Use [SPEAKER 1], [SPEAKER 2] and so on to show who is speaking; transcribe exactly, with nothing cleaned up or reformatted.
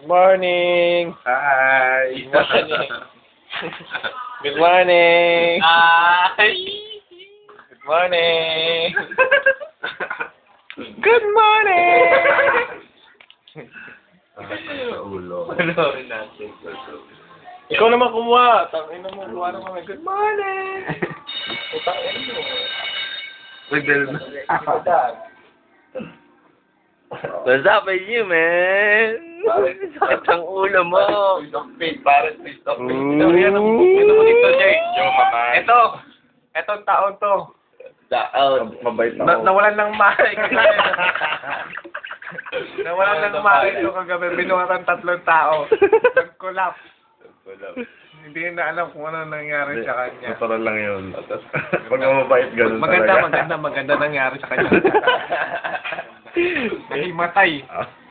[SPEAKER 1] Morning!
[SPEAKER 2] Hi!
[SPEAKER 1] Good morning! Good morning!
[SPEAKER 2] Hi!
[SPEAKER 1] Good morning! Good morning!
[SPEAKER 2] Sa ulo.
[SPEAKER 1] Panoorin natin. Ikaw naman kumuha. Tangin na mo. Kuha na kami. Good morning! Utangin mo.
[SPEAKER 2] Nagdala na.
[SPEAKER 3] What's up with you, man? Sakit ang ulo mo.
[SPEAKER 2] Twist of fate, parang twist of fate.
[SPEAKER 1] Ito, yan ang ito mo dito, Jay.
[SPEAKER 2] Yo, mamay.
[SPEAKER 1] Ito. Etong taon to.
[SPEAKER 3] Taon.
[SPEAKER 2] Mabait
[SPEAKER 1] Na,
[SPEAKER 2] ako.
[SPEAKER 1] nawalan ng mali. Nawalan ng mali ito kagabi. Binuhatan tatlong tao. Nag-collapse. Hindi na alam kung ano nangyari sa kanya.
[SPEAKER 2] Natural lang yun. Pag mabait, ganun
[SPEAKER 1] Maganda,
[SPEAKER 2] talaga.
[SPEAKER 1] maganda, maganda nangyari sa kanya. Nahimatay.
[SPEAKER 2] Ah.